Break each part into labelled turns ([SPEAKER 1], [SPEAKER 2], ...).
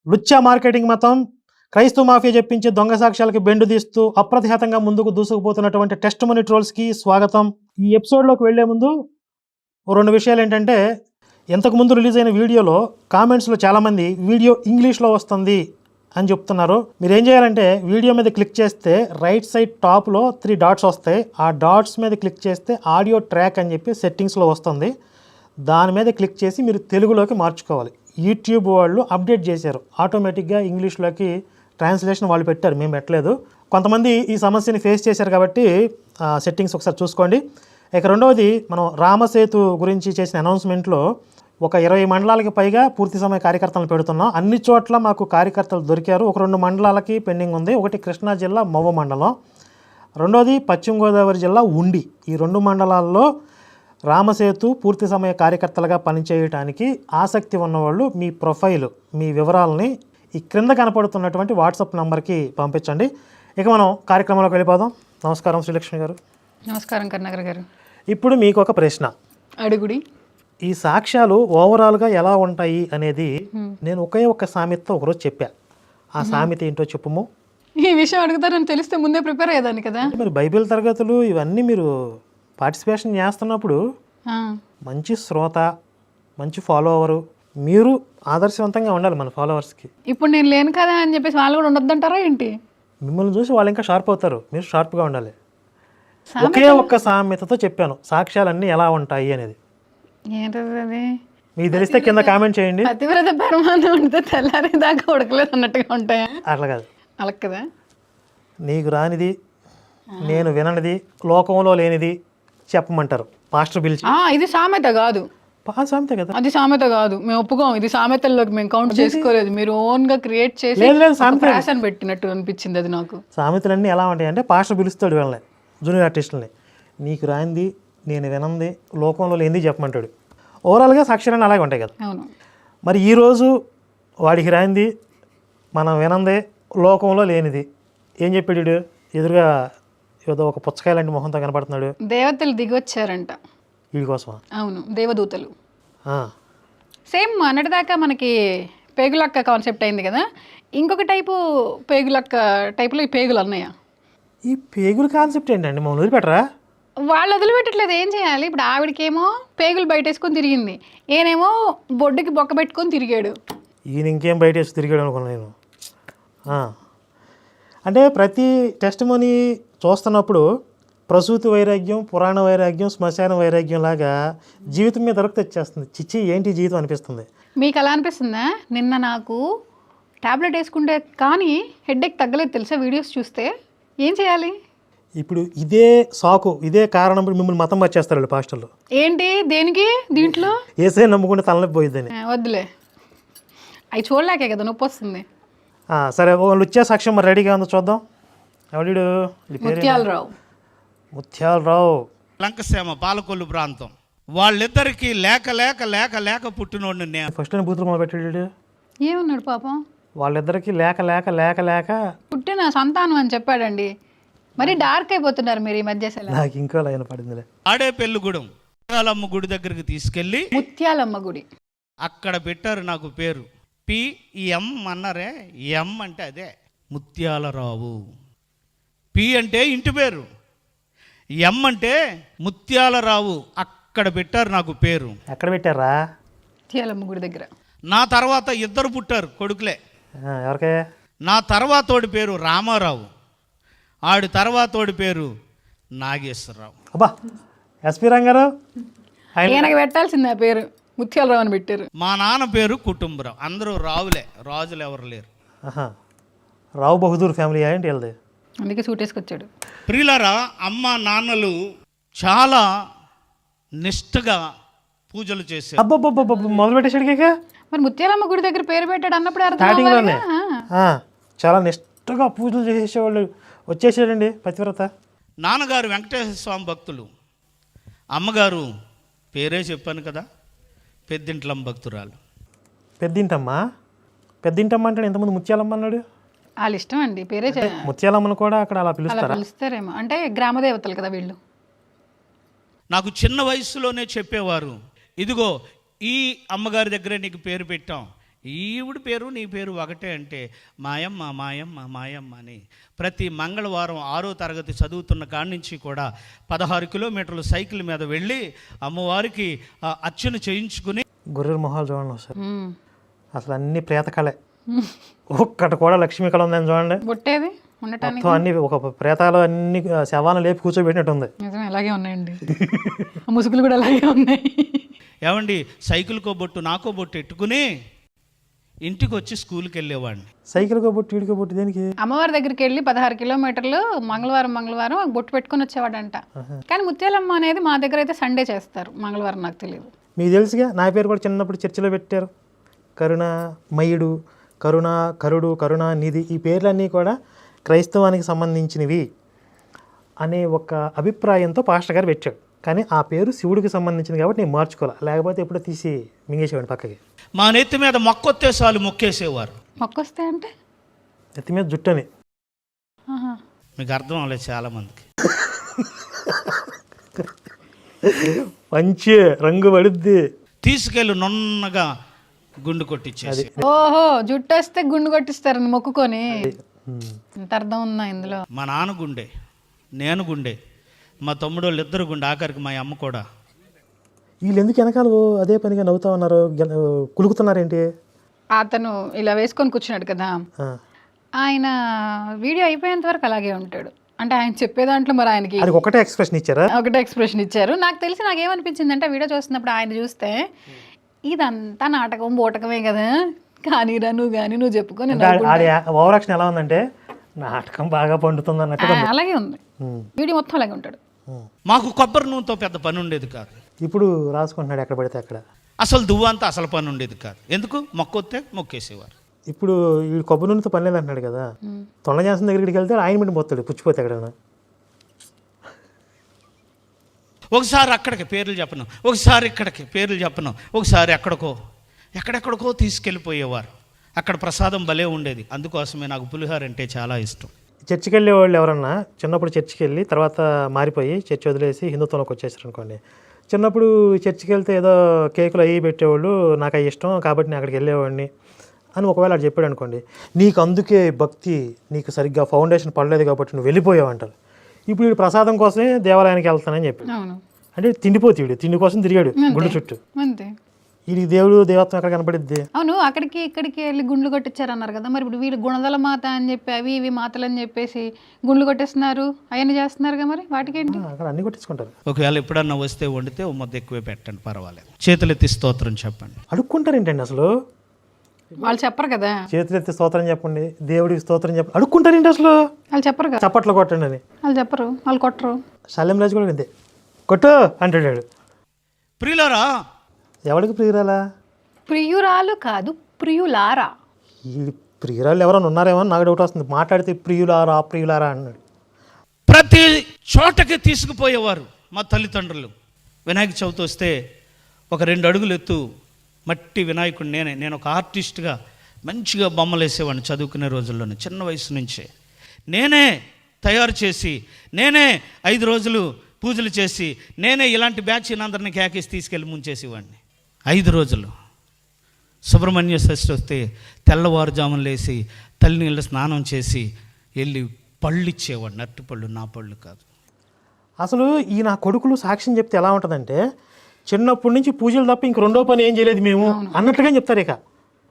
[SPEAKER 1] లుచ్చా marketing మతం క్రైస్తవ mafia చెప్పించే దొంగ సాక్ష్యాలకి బెండు తీస్తూ అప్రతిహతంగా ముందుకు దూసుకుపోతున్నటువంటి టెస్ట్ మనీ ట్రోల్స్కి స్వాగతం. ఈ ఎపిసోడ్లోకి వెళ్లే ముందు రెండు విషయాలు ఏంటంటే, ఇంతకుముందు రిలీజ్ అయిన వీడియోలో కామెంట్స్లో చాలామంది వీడియో ఇంగ్లీష్లో వస్తుంది అని చెప్తున్నారు. మీరు ఏం చేయాలంటే వీడియో మీద క్లిక్ చేస్తే రైట్ సైడ్ టాప్లో 3 డాట్స్ వస్తాయి. ఆ డాట్స్ మీద క్లిక్ చేస్తే ఆడియో ట్రాక్ అని చెప్పి సెట్టింగ్స్లో వస్తుంది. దాని మీద క్లిక్ చేసి మీరు తెలుగులోకి మార్చుకోవాలి. యూట్యూబ్ వాళ్ళు అప్డేట్ చేశారు, ఆటోమేటిక్గా ఇంగ్లీష్లోకి ట్రాన్స్లేషన్ వాళ్ళు పెట్టారు, మేము పెట్టలేదు. కొంతమంది ఈ సమస్యని ఫేస్ చేశారు కాబట్టి సెట్టింగ్స్ ఒకసారి చూసుకోండి. ఇక రెండవది, మనం రామసేతు గురించి చేసిన అనౌన్స్మెంట్లో ఒక 20 మండలాలకి పైగా పూర్తి సమయ కార్యకర్తలను పెడుతున్నాం. అన్ని చోట్ల మాకు కార్యకర్తలు దొరికారు. ఒక 2 మండలాలకి పెండింగ్ ఉంది. ఒకటి కృష్ణా జిల్లా మవ్వ మండలం, రెండోది పశ్చిమ గోదావరి జిల్లా ఉండి. ఈ 2 మండలాల్లో రామసేతు పూర్తి సమయ కార్యకర్తలుగా పనిచేయడానికి ఆసక్తి ఉన్నవాళ్ళు మీ ప్రొఫైల్, మీ వివరాలని ఈ క్రింద కనపడుతున్నటువంటి వాట్సాప్ నెంబర్కి పంపించండి. ఇక మనం కార్యక్రమంలోకి వెళ్ళిపోదాం. నమస్కారం శ్రీలక్ష్మి గారు.
[SPEAKER 2] నమస్కారం కరుణాకర్ గారు.
[SPEAKER 1] ఇప్పుడు మీకు ఒక ప్రశ్న
[SPEAKER 2] అడుగుడి.
[SPEAKER 1] ఈ సాక్ష్యాలు ఓవరాల్గా ఎలా ఉంటాయి అనేది నేను ఒక్క సామెతతో ఒకరోజు చెప్పా. ఆ సామెత ఏంటో చెప్పుము.
[SPEAKER 2] ఈ విషయం అడుగుతారని తెలిస్తే ముందే ప్రిపేర్ అయ్యేదాన్ని కదా.
[SPEAKER 1] మరి బైబిల్ తరగతులు ఇవన్నీ మీరు పార్టిసిపేషన్ చేస్తున్నప్పుడు మంచి శ్రోత, మంచి ఫాలోవరు, మీరు ఆదర్శవంతంగా ఉండాలి మన ఫాలోవర్స్కి.
[SPEAKER 2] ఇప్పుడు నేను లేను కదా అని చెప్పేసి వాళ్ళు కూడా ఉండొద్దంటారా ఏంటి?
[SPEAKER 1] మిమ్మల్ని చూసి వాళ్ళు ఇంకా షార్ప్ అవుతారు, మీరు షార్ప్గా ఉండాలి. ఒకే ఒక్క సామెతతో చెప్పాను సాక్ష్యాలన్నీ ఎలా ఉంటాయి అనేది.
[SPEAKER 2] ఏంటది అది?
[SPEAKER 1] మీకు తెలిస్తే కింద కామెంట్ చేయండి.
[SPEAKER 2] పతివ్రత పరమానం ఉంటే తెల్లారి దాకా ఉడకలేదు అన్నట్టుగా ఉంటాయా?
[SPEAKER 1] అట్లా కాదు,
[SPEAKER 2] అలా కదా.
[SPEAKER 1] నీకు రానిది, నేను విననిది, లోకంలో లేనిది చెప్పమంటారు పాస్టర్ పిలిచి.
[SPEAKER 2] ఇది సామెత కాదు,
[SPEAKER 1] సామెత కదా.
[SPEAKER 2] అది సామెత కాదు, మేము ఒప్పుకోం. ఇది సామెతల్లోకి మేము కౌంట్ చేసుకోలేదు. మీరు ఓన్ గా క్రియేట్ చేసి ఫ్యాషన్ పెట్టినట్టు అనిపించింది అది నాకు.
[SPEAKER 1] సామెతలన్నీ ఎలా ఉంటాయి అంటే, పాస్టర్ పిలుస్తాడు వీళ్ళని, జూనియర్ ఆర్టిస్టులని, నీకు రానిది, నేను వినంది, లోకంలో లేనిది చెప్పమంటాడు. ఓవరాల్గా సాక్ష్యాలన్నీ అలాగే ఉంటాయి కదా.
[SPEAKER 2] అవును.
[SPEAKER 1] మరి ఈరోజు వాడికి రానిది, మనం వినందే, లోకంలో లేనిది ఏం చెప్పాడు? ఎదురుగా ఏదో ఒక పుచ్చకాయ లాంటి మొహంతో కనపడుతున్నాడు.
[SPEAKER 2] దేవతలు దిగొచ్చారంట
[SPEAKER 1] వీడి కోసం.
[SPEAKER 2] అవును, దేవదూతలు. సేమ్ అన్నటిదాకా మనకి పేగులక్క కాన్సెప్ట్ అయింది కదా. ఇంకొక టైపు పేగులక్క టైపులో ఈ పేగులు అన్నయ్య.
[SPEAKER 1] ఈ పేగుల కాన్సెప్ట్ ఏంటండి? మమ్మల్ని వదిలిపెట్టరా?
[SPEAKER 2] వాళ్ళు వదిలిపెట్టట్లేదు. ఏం చేయాలి ఇప్పుడు? ఆవిడకేమో పేగులు బయటేసుకొని తిరిగింది, ఈయనేమో బొడ్డుకి బొక్క పెట్టుకొని తిరిగాడు.
[SPEAKER 1] ఈయన ఇంకేం బయట వేసి తిరిగాడు అనుకున్నాను నేను. అంటే ప్రతి టెస్ట్ మనీ చూస్తున్నప్పుడు ప్రసూతి వైరాగ్యం, పురాణ వైరాగ్యం, శ్మశాన వైరాగ్యం లాగా జీవితం మీద దొరికి తెచ్చేస్తుంది. చిచ్చి ఏంటి జీవితం అనిపిస్తుంది.
[SPEAKER 2] మీకు అలా అనిపిస్తుందా? నిన్న నాకు టాబ్లెట్ వేసుకుంటే కానీ హెడ్ఏక్ తగ్గలేదు తెలుసా వీడియోస్ చూస్తే. ఏం చేయాలి
[SPEAKER 1] ఇప్పుడు? ఇదే సాకు, ఇదే కారణం మిమ్మల్ని మతం వచ్చేస్తారు వాళ్ళు పాస్టర్లు.
[SPEAKER 2] ఏంటి దేనికి? దీంట్లో
[SPEAKER 1] ఏసే నమ్ముకుంటే తలనొప్పి పోయిద్దని.
[SPEAKER 2] వద్దులే, అవి చూడలేకే కదా నొప్పి వస్తుంది.
[SPEAKER 1] సరే, వాళ్ళు వచ్చే సాక్ష్యం మరి రెడీగా ఉందో చూద్దాం. ఎవడు?
[SPEAKER 2] ముత్యాలరావు.
[SPEAKER 1] ముత్యాలరావు,
[SPEAKER 3] లంకసీమ పాలకొల్లు ప్రాంతం. వాళ్ళిద్దరికి లేక లేక లేక లేక పుట్టినోడిని నేను.
[SPEAKER 1] ఫస్ట్ టైం బూతులు మొదలు పెట్టాడు.
[SPEAKER 2] ఏమన్నాడు పాపం?
[SPEAKER 1] వాళ్ళిద్దరికి లేక లేక లేక లేక
[SPEAKER 2] పుట్టిన సంతానం అని చెప్పాడండి. మరి డార్క్ అయిపోతున్నారు మీరు ఈ మధ్య.
[SPEAKER 1] నాకు ఇంకో లైన్ పడిందిలే.
[SPEAKER 3] ఆడే పెళ్ళిగూడెం ముత్యాలమ్మ గుడి దగ్గరికి తీసుకెళ్ళి,
[SPEAKER 2] ముత్యాలమ్మ గుడి
[SPEAKER 3] అక్కడ పెట్టారు నాకు పేరు. పిఎం అన్నారే, ఎం అంటే అదే ముత్యాలరావు. పి అంటే ఇంటి పేరు, ఎం అంటే ముత్యాలరావు. అక్కడ పెట్టారు నాకు పేరు.
[SPEAKER 1] ఎక్కడ పెట్టారా?
[SPEAKER 2] ముత్యాలమ్మ గుడి దగ్గర.
[SPEAKER 3] నా తర్వాత 2 పుట్టారు కొడుకులే.
[SPEAKER 1] ఎవరికే?
[SPEAKER 3] నా తర్వాతోడి పేరు రామారావు, ఆడి తర్వాతోడి పేరు నాగేశ్వరరావు.
[SPEAKER 1] అబ్బా, ఎస్పీ రంగారావు
[SPEAKER 2] ఈయనకి పెట్టాల్సింది ఆ పేరు, ముత్యాలరావు అని పెట్టారు.
[SPEAKER 3] మా నాన్న పేరు కుటుంబరావు. అందరూ రావులే, రాజులు ఎవరు లేరు.
[SPEAKER 1] రావు బహదూర్ ఫ్యామిలీ ఏంటి వెళ్ళదు,
[SPEAKER 2] అందుకే సూట్ వేసుకొచ్చాడు.
[SPEAKER 3] ప్రియులారా, అమ్మ నాన్నలు చాలా నిష్ఠగా పూజలు చేశారు.
[SPEAKER 1] అబ్బబ్బబ్బ మొదలు పెట్టేసాడు.
[SPEAKER 2] మరి ముత్యాలమ్మ గుడి దగ్గర పేరు పెట్టాడు అన్నప్పుడు
[SPEAKER 1] స్టార్టింగ్లోనే చాలా నిష్ఠగా పూజలు చేసేవాళ్ళు వచ్చేసాడండి పతివ్రత.
[SPEAKER 3] నాన్నగారు వెంకటేశ్వర స్వామి భక్తులు, అమ్మగారు పేరే చెప్పాను కదా, పెద్దింట్లమ్మ భక్తురాలు.
[SPEAKER 1] పెద్దింటమ్మా అంటే ఇంతకుముందు ముత్యాలమ్మ అన్నాడు.
[SPEAKER 2] వాళ్ళ ఇష్టం అండి, పేరే
[SPEAKER 1] ముత్యాలమ్మను కూడా అక్కడ అలా
[SPEAKER 2] పిలుస్తారేమో. అంటే గ్రామ దేవతలు కదా వీళ్ళు.
[SPEAKER 3] నాకు చిన్న వయసులోనే చెప్పేవారు, ఇదిగో ఈ అమ్మగారి దగ్గరే నీకు పేరు పెట్టాం, ఈవిడ పేరు నీ పేరు ఒకటే అంటే మాయమ్మ మాయమ్మ మాయమ్మ అని ప్రతి మంగళవారం 6వ తరగతి చదువుతున్న కాడి నుంచి కూడా 16 కిలోమీటర్లు సైకిల్ మీద వెళ్ళి అమ్మవారికి అర్చన చేయించుకుని
[SPEAKER 1] గొర్రెల మొహాలు చూడండి సార్, అసలు అన్ని ప్రేతకళే, ఒక్కటి కూడా లక్ష్మీ కళ ఉందని చూడండి.
[SPEAKER 2] బొట్టేది ఉండటానికి
[SPEAKER 1] మొత్తం అన్ని ఒక ప్రేతాలు అన్ని శవాలను లేపి కూర్చోబెట్టినట్టు ఉంది.
[SPEAKER 2] నిజమే, అలాగే ఉన్నాయండి. ముసుగులు కూడా అలాగే ఉన్నాయి.
[SPEAKER 3] ఏమండి, సైకిల్కో బొట్టు నాకో బొట్టు ఎట్టుకుని ఇంటికి వచ్చి స్కూల్కి వెళ్ళేవాడిని.
[SPEAKER 1] సైకిల్కో బొట్టు వీడికో బొట్టు దేనికి?
[SPEAKER 2] అమ్మవారి దగ్గరికి వెళ్ళి 16 కిలోమీటర్లు మంగళవారం బొట్టు పెట్టుకుని వచ్చేవాడంట. కానీ ముత్యాలమ్మ అనేది మా దగ్గర అయితే సండే చేస్తారు, మంగళవారం నాకు తెలియదు.
[SPEAKER 1] మీకు తెలుసుగా, నా పేరు కూడా చిన్నప్పుడు చర్చిలో పెట్టారు. కరుణామయుడు, కరుడు, కరుణానిధి, ఈ పేర్లన్నీ కూడా క్రైస్తవానికి సంబంధించినవి అనే ఒక అభిప్రాయంతో పాస్టర్ గారు పెట్టాడు. కానీ ఆ పేరు శివుడికి సంబంధించింది కాబట్టి నేను మార్చుకోవాలి, లేకపోతే ఎప్పుడో తీసి మింగేసేవాడిని పక్కకి.
[SPEAKER 3] మా నెత్తి మీద మొక్కొత్తే చాలు మొక్కేసేవారు.
[SPEAKER 2] మొక్కొస్తే అంటే
[SPEAKER 1] నెత్తి మీద జుట్టని.
[SPEAKER 3] మీకు అర్థం అవ్వలేదు చాలామందికి.
[SPEAKER 1] మంచి రంగు పడుద్ది,
[SPEAKER 3] తీసుకెళ్ళి నున్నగా గుండు కొట్టించేసి.
[SPEAKER 2] ఓహో, జుట్టు వస్తే గుండు కొట్టిస్తారని మొక్కుకొని. ఎంత అర్థం ఉందా ఇందులో?
[SPEAKER 3] మా నాన్న గుండె, నేను గుండె, మా తమ్ముడు వాళ్ళు ఇద్దరు గుండె, ఆఖరికి మా అమ్మ కూడా.
[SPEAKER 1] వీళ్ళు ఎందుకు వెనకాల అదే పనిగా నవ్వుతా ఉన్నారు, కులుకుతున్నారేంటి?
[SPEAKER 2] అతను ఇలా వేసుకొని కూర్చున్నాడు కదా, ఆయన వీడియో అయిపోయేంత వరకు అలాగే ఉంటాడు. అంటే ఆయన చెప్పే దాంట్లో మరి ఆయనకి
[SPEAKER 1] ఒకటే ఎక్స్ప్రెషన్ ఇచ్చారా?
[SPEAKER 2] ఒకటే ఎక్స్ప్రెషన్ ఇచ్చారు. నాకు తెలిసి నాకేమనిపించింది అంటే, వీడియో చూస్తున్నప్పుడు ఆయన చూస్తే ఇదంతా నాటకం బోటకమే కదా, కానీ నువ్వు చెప్పుకొని
[SPEAKER 1] ఓవరాక్షన్ ఎలా ఉందంటే నాటకం బాగా పండుతుంది అన్నట్టు
[SPEAKER 2] అలాగే ఉంది. వీడియో మొత్తం అలాగే ఉంటాడు.
[SPEAKER 3] మాకు కొబ్బరి నూనెతో పెద్ద పని ఉండేది కాదు.
[SPEAKER 1] ఇప్పుడు రాసుకుంటున్నాడు ఎక్కడ పడితే అక్కడ.
[SPEAKER 3] అసలు దువ్వంతా అసలు పని ఉండేది కాదు. ఎందుకు? మొక్కొత్తే మొక్కేసేవారు.
[SPEAKER 1] ఇప్పుడు వీడు కొబ్బరి నూనెతో పని లేదు అంటున్నాడు కదా, తొండ జాన్సన్ దగ్గరికి వెళ్తే ఆయన మీద పోతాడు, పుచ్చిపోతే ఎక్కడైనా.
[SPEAKER 3] ఒకసారి అక్కడికి పేర్లు చెప్పను, ఒకసారి ఇక్కడికి పేర్లు చెప్పను, ఒకసారి ఎక్కడెక్కడికో తీసుకెళ్ళిపోయేవారు. అక్కడ ప్రసాదం భలే ఉండేది. అందుకోసమే నాకు పులిహోర అంటే చాలా ఇష్టం.
[SPEAKER 1] చర్చికి వెళ్ళే వాళ్ళు ఎవరన్నా చిన్నప్పుడు చర్చికి వెళ్ళి తర్వాత మారిపోయి చర్చి వదిలేసి హిందుత్వంలోకి వచ్చేసారు అనుకోండి, చిన్నప్పుడు చర్చికి వెళ్తే ఏదో కేకులు అవి పెట్టేవాళ్ళు, నాకు అవి ఇష్టం కాబట్టి నేను అక్కడికి వెళ్ళేవాడిని అని ఒకవేళ అటు చెప్పాడు అనుకోండి, నీకు అందుకే భక్తి నీకు సరిగ్గా ఫౌండేషన్ పడలేదు కాబట్టి నువ్వు వెళ్ళిపోయావు అంటారు. ఇప్పుడు వీడు ప్రసాదం కోసమే దేవాలయానికి వెళ్తానని చెప్పి, అంటే తిండిపోతీయుడు, తిండి కోసం తిరిగాడు గుండు చుట్టూ. వీడికి దేవుడు దేవత్వం ఎక్కడ కనపడిద్ది?
[SPEAKER 2] అవును, అక్కడికి ఇక్కడికి వెళ్ళి గుండ్లు కొట్టించారు అన్నారు కదా, మరి ఇప్పుడు వీళ్ళు గుణదల మాత అని చెప్పి అవి ఇవి మాతలు అని చెప్పేసి గుండ్లు కొట్టేస్తున్నారు, అవన్నీ చేస్తున్నారు కదా, మరి వాటికి ఏంటి?
[SPEAKER 1] అక్కడ అన్ని కొట్టించుకుంటారు.
[SPEAKER 3] ఒకవేళ ఎప్పుడన్నా వస్తే వండితే ఓ ముద్ద ఎక్కువే పెట్టండి, పర్వాలేదు. చేతులెత్తి స్తోత్రం చెప్పండి.
[SPEAKER 1] అడుక్కుంటారు ఏంటండి అసలు?
[SPEAKER 2] వాళ్ళు చెప్పరు కదా.
[SPEAKER 1] చేతులెత్తి స్తోత్రం చెప్పండి, దేవుడికి స్తోత్రం చెప్పండి, అడుక్కుంటారు ఏంటి అసలు?
[SPEAKER 2] వాళ్ళు చెప్పరు కదా,
[SPEAKER 1] చప్పట్లు కొట్టండి అని
[SPEAKER 2] వాళ్ళు చెప్పరు, వాళ్ళు కొట్టరు.
[SPEAKER 1] శల్యం రాజు కూడా అంతే, కొట్టు అంటాడు.
[SPEAKER 3] ప్రియులారా,
[SPEAKER 1] ఎవరికి ప్రియురాలా?
[SPEAKER 2] ప్రియురాలు కాదు, ప్రియులారా.
[SPEAKER 1] ఈ ప్రియురాలు ఎవరైనా ఉన్నారేమో నాకు డౌట్ వస్తుంది, మాట్లాడితే ప్రియులారా అన్నాడు.
[SPEAKER 3] ప్రతి చోటకి తీసుకుపోయేవారు మా తల్లిదండ్రులు. వినాయక చవితి వస్తే ఒక 2 అడుగులు ఎత్తు మట్టి వినాయకుడు నేను ఒక ఆర్టిస్ట్గా మంచిగా బొమ్మలు వేసేవాడిని చదువుకునే రోజుల్లోనే. చిన్న వయసు నుంచే నేనే తయారు చేసి, నేనే 5 రోజులు పూజలు చేసి, నేనే ఇలాంటి బ్యాచ్ని అందరినీ కేకేసి తీసుకెళ్ళి ముంచేసేవాడిని. 5 రోజులు సుబ్రహ్మణ్య షష్ఠి వస్తే తెల్లవారుజామున లేసి తల్లినీళ్ళ స్నానం చేసి వెళ్ళి పళ్ళు ఇచ్చేవాడిని. అరటి పళ్ళు, నా పళ్ళు కాదు.
[SPEAKER 1] అసలు ఈ నా కొడుకులు సాక్ష్యం చెప్తే ఎలా ఉంటుందంటే, చిన్నప్పటి నుంచి పూజలు తప్ప ఇంక రెండో పని ఏం చేయలేదు మేము అన్నట్టుగా చెప్తారు. ఇక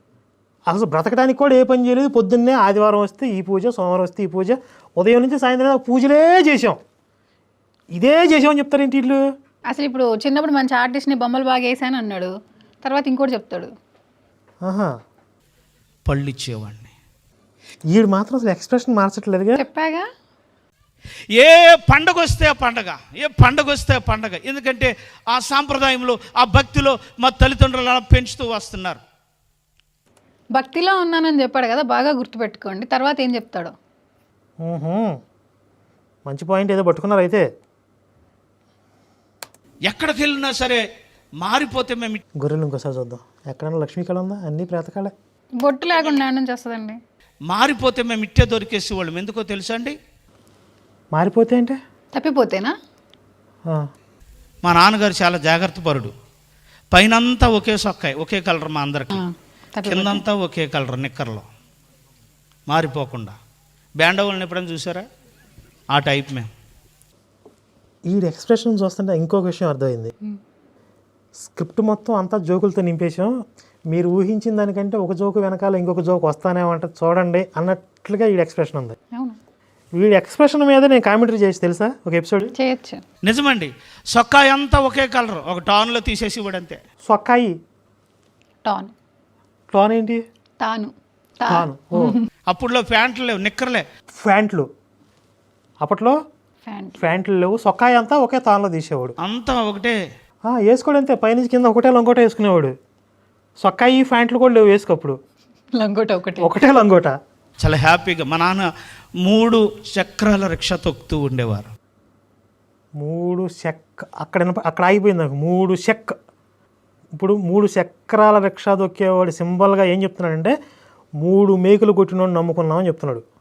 [SPEAKER 1] అసలు బ్రతకడానికి కూడా ఏ పని చేయలేదు. పొద్దున్నే ఆదివారం వస్తే ఈ పూజ, సోమవారం వస్తే ఈ పూజ, ఉదయం నుంచి సాయంత్రం పూజలే చేసాం, ఇదే చేసామని చెప్తారేంటి వీళ్ళు?
[SPEAKER 2] అసలు ఇప్పుడు చిన్నప్పుడు మంచి ఆర్టిస్ట్ని బొమ్మలు బాగా వేసాను అన్నాడు, తర్వాత ఇంకోటి చెప్తాడు.
[SPEAKER 3] పళ్ళు ఇచ్చేవాడిని.
[SPEAKER 1] వీడు మాత్రం అసలు ఎక్స్ప్రెషన్ మార్చట్లేదుగా.
[SPEAKER 2] చెప్పాగా,
[SPEAKER 3] ఏ పండగ వస్తే ఆ పండగ. ఎందుకంటే ఆ సాంప్రదాయంలో, ఆ భక్తిలో మా తల్లిదండ్రులు అలా పెంచుతూ వస్తున్నారు.
[SPEAKER 2] భక్తిలో ఉన్నానని చెప్పాడు కదా, బాగా గుర్తుపెట్టుకోండి. తర్వాత ఏం చెప్తాడు?
[SPEAKER 1] మంచి పాయింట్ ఏదో పట్టుకున్నారు అయితే.
[SPEAKER 3] ఎక్కడికి వెళ్ళినా సరే మారిపోతే మేము.
[SPEAKER 1] గొర్రెలు ఇంకోసారి చూద్దాం, ఎక్కడన్నా లక్ష్మీకళ ఉందా? అన్ని ప్రేతకాలే.
[SPEAKER 2] బొట్టు లేకుండా నుంచి వస్తుందండి.
[SPEAKER 3] మారిపోతే మేము ఇట్టే దొరికేసి వాళ్ళం. ఎందుకో తెలుసా అండి?
[SPEAKER 1] మారిపోతే అంటే
[SPEAKER 2] తప్పిపోతేనా?
[SPEAKER 3] మా నాన్నగారు చాలా జాగ్రత్త పరుడు. పైనంతా ఒకే సొక్కాయి, ఒకే కలర్ మా అందరికి. కిందంతా ఒకే కలర్ నిక్కర్లో మారిపోకుండా. బ్యాండ్ వాళ్ళని ఎప్పుడైనా చూసారా? ఆ టైప్ మేము.
[SPEAKER 1] ఈ ఎక్స్ప్రెషన్ చూస్తుంటే ఇంకొక విషయం అర్థమైంది. స్క్రిప్ట్ మొత్తం అంతా జోకులతో నింపేశాం, మీరు ఊహించిన దానికంటే ఒక జోకు వెనకాల ఇంకొక జోకు వస్తానే ఉంటుంది చూడండి అన్నట్లుగా ఈ ఎక్స్ప్రెషన్ ఉంది.
[SPEAKER 2] అవును,
[SPEAKER 1] వీడి ఎక్స్ప్రెషన్ మీద నేను కామెంటరీ చేసి తెలుసా ఒక ఎపిసోడ్
[SPEAKER 2] చేయొచ్చు.
[SPEAKER 3] నిజమండి. సొక్కాయి అంతా ఒకే కలర్, ఒక టాన్లో తీసేసి ఇవ్వడంతే.
[SPEAKER 1] సొక్కాయి
[SPEAKER 2] టాన్
[SPEAKER 1] టాన్ ఏంటి?
[SPEAKER 2] తాను
[SPEAKER 1] టాన్. ఓ
[SPEAKER 3] అప్పుడులో ప్యాంట్లు లేవు, నిక్కర్లే.
[SPEAKER 1] ఫ్యాంట్లు అప్పట్లో
[SPEAKER 2] ఫ్యాంట్
[SPEAKER 1] ఫ్యాంట్లు లేవు, సొక్కాయి అంతా ఒకే తాన్లో తీసేవాడు.
[SPEAKER 3] అంతా ఒకటే.
[SPEAKER 1] వేసుకోడు అంతే, పైనుంచి కింద ఒకటే లంగోట వేసుకునేవాడు. సొక్కాయి ఫ్యాంట్లు కూడా లేవు వేసుకప్పుడు,
[SPEAKER 2] లంగోట
[SPEAKER 1] ఒకటే లంగోట.
[SPEAKER 3] చాలా హ్యాపీగా మా నాన్న 3 చక్రాల రిక్షా తొక్కుతూ ఉండేవారు.
[SPEAKER 1] 3 అక్కడ ఆగిపోయింది నాకు. 3 చెక్. ఇప్పుడు 3 చక్రాల రిక్షా దొక్కేవాడు సింబల్గా ఏం చెప్తున్నాడంటే 3 మేకులు కొట్టినోడు నమ్ముకున్నామని చెప్తున్నాడు.